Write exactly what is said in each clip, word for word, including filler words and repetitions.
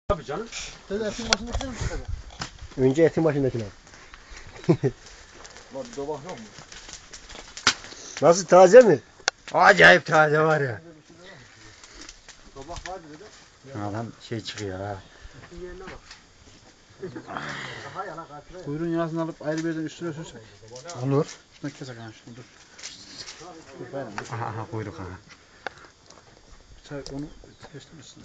Tabii canım. Sen etin başındakine mi çıkacak? Önce etin başındakine. Lan dobak yok mu? Nasıl, taze mi? Acayip taze var ya. Dobak vardı dedi. Adam şey çıkıyor ha. Etin yerine bak. Daha yana kaçırıyor. Kuyruğun yarısını alıp ayrı bir yerden üstüne sürsek. Olur. Şuna kesek ha şunu dur. Aha, aha kuyruk aha. Çay onu kestirmişsin.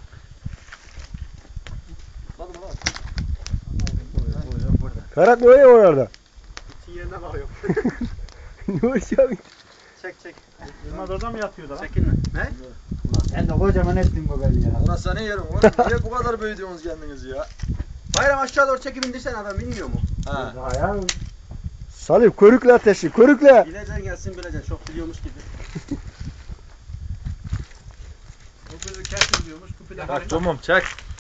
Hadi lan. Ferhat ne oluyor orada? Etin yerine bakıyor. Ne oluyor? Çek çek. Yılmaz orada mı yatıyor da lan? Çekinme. Ne? Sen de kocaman ettin bu belli ya. Orası ne yerim oğlum? Niye bu kadar büyüdünüz kendinizi ya? Bayram aşağı doğru çekip indirsene adam bilmiyor mu? Ha. Ya. Salih körükle ateşi, körükle. Bileceksin gelsin bileceksin. Çok biliyormuş gibi. Kupili kestir diyormuş. Kupili Bak tamam çek.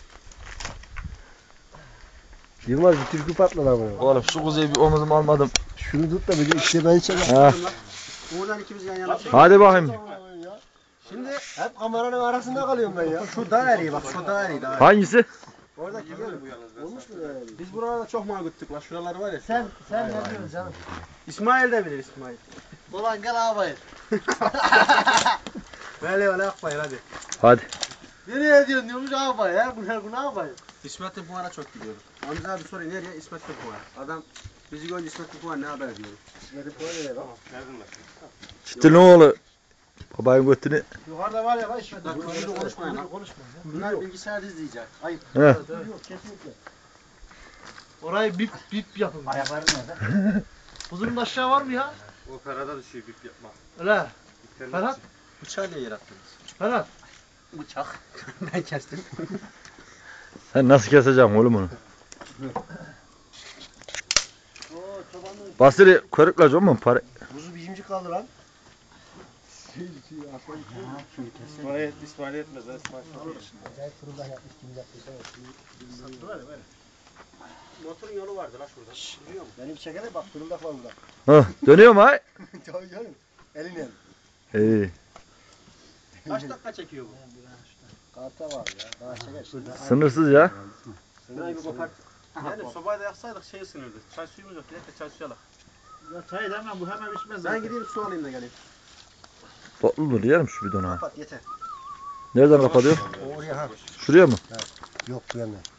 Yılmaz bir türkü patladı ama. Oğlum şu kuzeyi bir omuzuma almadım. Şunu tut da bir de işte ben çekeyim. Ha. Uğur'dan ikimiz yan yana çekelim. Hadi bakayım. Şimdi Hep kameranın arasında kalıyorum ben ya. şu daha eriği bak. Şu daha eriği daha. Hangisi? Oradaki görüyor musun? Olmuş mu yani? Biz buralarda çok mal gittik la. Şuralar var ya. Sen sen ne diyorsun canım? İsmail de bilir İsmail. Ulan gel ağabayım. Böyle öyle yapmayın hadi. Hadi. Nereye diyorsun diyormuş ağabey ya? Bu her gün ağabey. İsmet Tüpüvar'a çok gidiyoruz. Hamza abi soruyor nereye? İsmet Tüpüvar. Adam bizi görünce İsmet Tüpüvar ne haber diyor. İsmet'in koyu ne bak? Çıktı ne oğlu? Babayın götünü. Yukarıda var ya lan İsmet. Bak bunu konuşmayın lan. Konuşma ya. Bunlar bilgisayarda izleyecek. Ayıp. He. Yok kesinlikle. Orayı bip bip yapın. Ayakları nerede? Huzurun aşağı var mı ya? O karada düşüyor bip yapma. Öyle. Ferhat. Bıçağı niye yarattınız? Ferhat. Bıçak. Ben kestim. Sen nasıl keseceksin oğlum onu? Basri körükle canım para. Buzu bizimci kaldı lan. İsmail, İsmail etmez. İsmail Acayip fırından yapmış, kim yaptıysa. Sattılar ya böyle. Motorun yolu vardı la şurada. Biliyor musun? Benim çekene bak, fırıldak var burada. Hah, dönüyor mu ay? Tabii canım. Eline. İyi. Kaç dakika çekiyor bu? Karta var ya. Daha çeker. Sınırsız ya. Burayı bir kopart. Yani sobayı da yaksaydık şey ısınırdı. Çay suyumuz yok. Direkt de çay suyu alak. Ya çay demem bu hemen içmez Ben zaten. gideyim su alayım da geleyim. Topludur yerim şu bidonu ha. Kapat yeter. Nereden kapatıyor? Oraya ha. Şuraya mı? Yok bu yana.